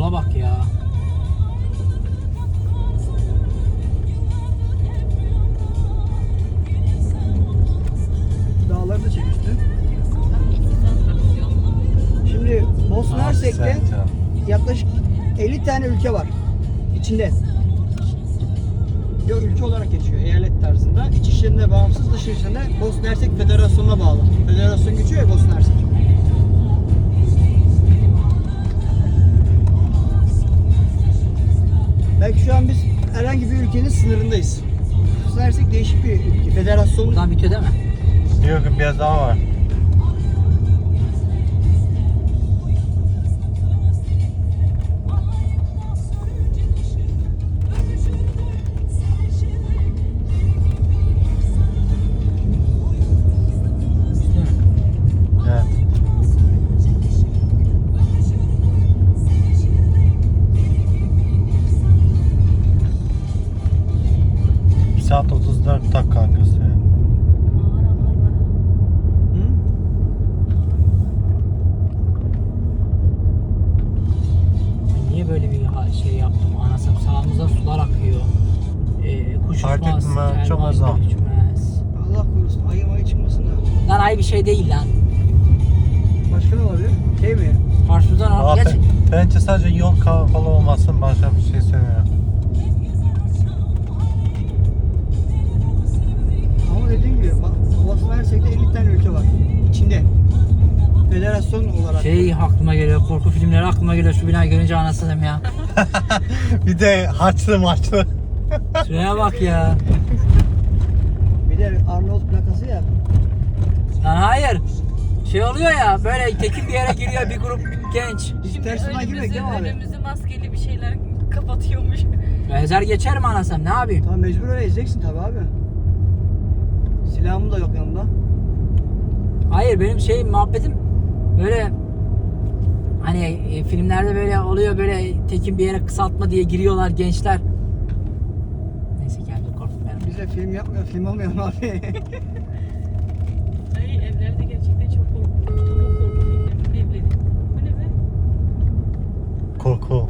yola bak ya. Dağları da çekmişti. Şimdi Bosna Hersek'te yaklaşık 50 tane ülke var içinde. Yok, ülke olarak geçiyor eyalet tarzında. İç işlerinde bağımsız, dış işlerinde Bosna Hersek Federasyonu'na bağlı. Federasyon geçiyor ya Bosna Hersek. Belki şu an biz herhangi bir ülkenin sınırındayız. Bosna Hersek değişik bir ülke. Federasyon. Buradan bitiyor değil mi? Yok, biraz daha var. Evet. Bir saat 34 dakika gösteriyor. Hı? Niye böyle bir şey yaptım? Anasım sağımıza sular akıyor. Kuş Fark uçmaz, ettim ben, kervan çok azam. uçmaz. Allah korusun ayı çıkmasın da. Lan ay bir şey değil lan. Başka ne olabilir? Şey mi? Karşıdan al. Geç. Bence sadece yol kapalı olmasın, başka bir şey sevmiyorum. Ama dediğim gibi Bosna Hersek'te 50 tane ülke var. İçinde. Federasyon olarak. Şey aklıma geliyor, korku filmleri aklıma geliyor şu binayı görünce anasını ya. Bir de harçlı maçlı. Şuraya bak ya. Bir de Arnavut plakası ya. Lan hayır. Şey oluyor ya böyle tekin bir yere giriyor bir grup genç. Biz ters yoldan girmek değil mi abi? Önümüzü maskeli bir şeyler kapatıyormuş. Ezer geçerim anasım ne yapayım? Tamam mecbur öyle ezeceksin tabi abi. Silahım da yok yanımda. Hayır benim şey muhabbetim böyle hani filmlerde böyle oluyor böyle tekin bir yere kısaltma diye giriyorlar gençler. Neyse kendim korktum ben. Biz de film yapmıyor, film olmuyor mu abi? Ay evlerde gerçekten çok korkunç. Çok korku filmlerinin evleri. Bu ne be? Korku.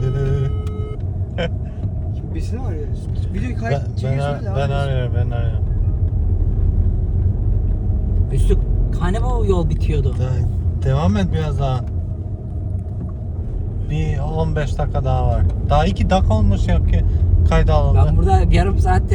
Şimdi birisini mi arıyoruz? Videoyu kayıt Ben çekiyorsunuz ya. arıyorum. Üstü hani bu yol bitiyordu. Devam et biraz daha. Bir 15 dakika daha var. Daha 2 dakika olmuş yok ki kayda Ben alındı. burada yarım saattir.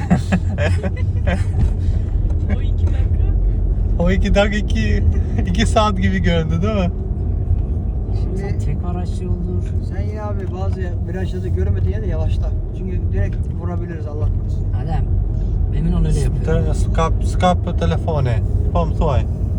O 2 dakika. O 2 dakika 2 saat gibi göründü değil mi? Şimdi Tek araçlı olur. sen yine abi bazı virajlarda göremediğin yerde yavaşla. Çünkü direkt vurabiliriz Allah korusun. Adem emin ol öyle yapıyor. Skap telefonu. Pom tuaj.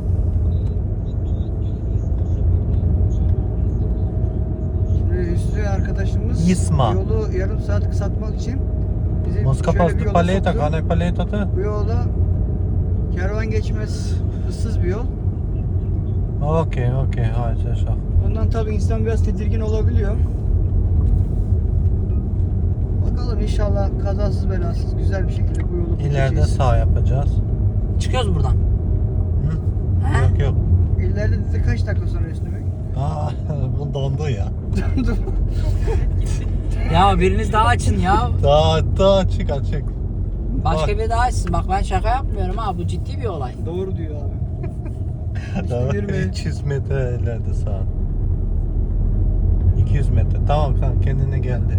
Şimdi Hüsnü arkadaşımız Isma. yolu yarım saat kısaltmak için bizi Moska şöyle bir postu yola paleta, soktu. kane paleta. Bu yolda kervan geçmez, ıssız bir yol. Okey, haydi şaf. Ondan tabii insan biraz tedirgin olabiliyor. Bakalım inşallah kazasız belasız güzel bir şekilde bu yolu İleride geçeceğiz. sağ yapacağız. Çıkıyoruz buradan. Hı? He? Yok. İleride dedi kaç dakika sonra Hüsnü Bey? Aa, bu dondu ya. Ya biriniz daha açın ya. Daha açık. Başka Bak. biri daha açsın. Bak ben şaka yapmıyorum ha. Bu ciddi bir olay. Doğru diyor abi. Tamam, yürüme. 200 metre ileride sağ. 200 metre. Tamam kanka kendine geldi.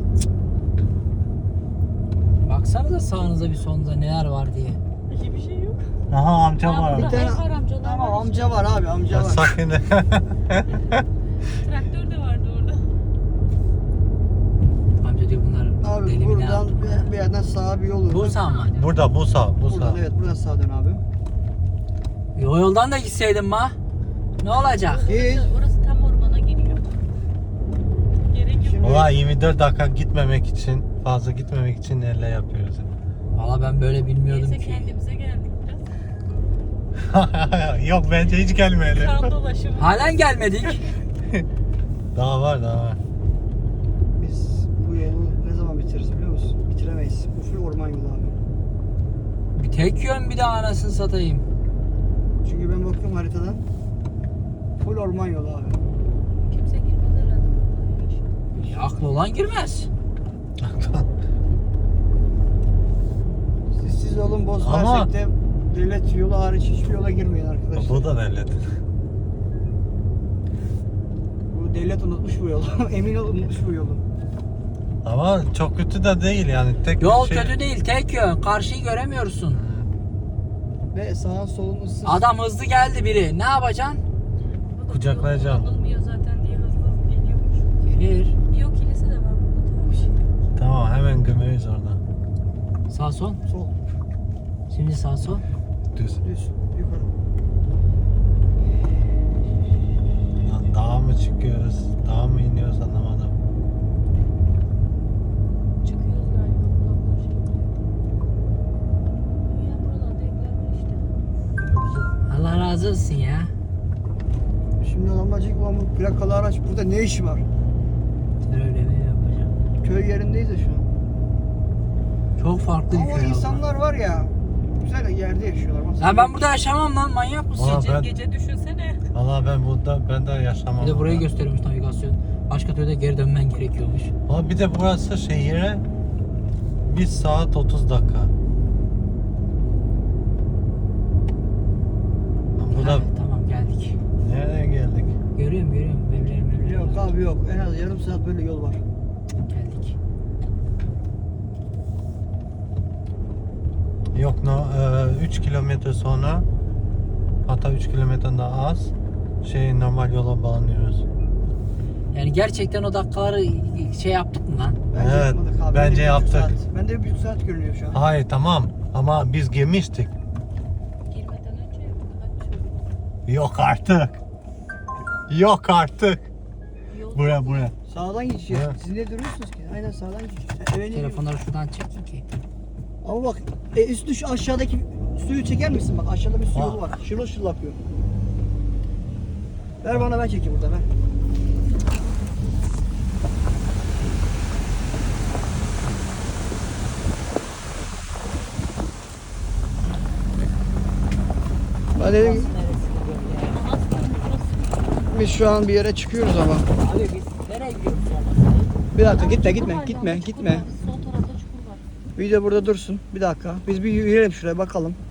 Baksanıza sağınıza bir solunuza neler var diye. Hiçbir şey yok. Aha amca Ha, var. burada tane- ev var amcalar Tamam var işte. amca var abi amca var. Sakin. Traktör de vardı orada. Amca diyor bunlar Abi deli mi ne buradan yaptı? bir yerden sağa bir yol. Bu sağ mı hani? Burada bu sağ. Buradan evet buradan sağa dön abi. O yoldan da gitseydim ma. Ne olacak? Git. Orası tam ormana giriyor. Gerek yok. Şimdi- Valla 24 dakika gitmemek için, fazla gitmemek için neler yapıyoruz. Valla ben böyle bilmiyordum Neyse ki. kendimize geldik biraz. Yok bence hiç gelmeyelim. Kan dolaşımı. Halen gelmedik. Daha var. Biz bu yolu ne zaman bitiririz biliyor musun? Bitiremeyiz. Bu full orman yolu abi. Bir tek yön bir de anasını satayım. Çünkü ben bakıyorum haritadan. Full orman yolu abi. Kimse girmez herhalde. Aklı olan girmez. Siz olun boz Ama- versek de devlet yolu hariç hiçbir yola girmeyin arkadaşlar. Bu da devlet. Bu devlet unutmuş bu yolu. Emin ol unutmuş bu yolu. Ama çok kötü de değil yani. Tek Yol bir şey... kötü değil, tek yön. Karşıyı göremiyorsun. Ve sağın solun ıssız. Adam hızlı geldi biri. Ne yapacaksın? Kucaklayacağım. Yol kullanılmıyor zaten diye hızlı geliyormuş. Gelir. Yok kilise de var burada tamam bir şey. Tamam hemen gömeyiz orada. Sağ sol. Sol, Şimdi sağ sol. Düz. düz, yukarı. Lan dağa mı çıkıyoruz? Dağa mı iniyoruz anlamadım. Çıkıyoruz galiba buradan şey. Ya buralarda evler işte. Allah razı olsun ya. Şimdi lambacık var bu plakalı araç burada ne işi var? Öyle mi yapacağım? Köy yerindeyiz de şu an. Çok farklı bir Ama köy oldu. insanlar var ya güzel yerde yaşıyorlar. Bak, Ya ben burada yaşamam lan, manyak mısın? Aa, Gece, ben- gece düşünsene. Valla ben de yaşamam. Bir de burayı burada. gösteriyormuş navigasyon. Başka türlü de geri dönmen gerekiyormuş. Ama bir de burası şehire 1 saat 30 dakika. Bu da Ha, tamam geldik. nereye geldik? Görüyorum evlerim. Yok abi yok. En az yarım saat böyle yol var. Geldik. Yok 3 kilometre sonra, hatta 3 kilometreden daha az normal yola bağlanıyoruz. Yani gerçekten o dakikaları şey yaptık mı lan? Bence Evet, yapmadık abi. bence Bende bir buçuk yaptık. saat. Bende 1,5 saat görünüyor şu an. Hayır tamam ama biz girmiştik. Girmeden önce kaç Yok artık. Yok artık. yol Buraya. Sağdan geçeceğiz. Evet. Siz ne duruyorsunuz ki? Aynen sağdan geçeceğiz. Eve ne Telefonları şuradan çektin ki. Ama bak üstü şu aşağıdaki suyu çeker misin? Bak aşağıda bir su yolu var. Şırıl şırıl akıyor. Ver bana ben çekeyim burada ver. Ben dedim biz şu an bir yere çıkıyoruz ama. Abi biz nereye gidiyoruz sonra? Bir dakika gitme. Sol tarafta çukur var. Video burada dursun. Bir dakika. Biz bir yürüyelim şuraya bakalım.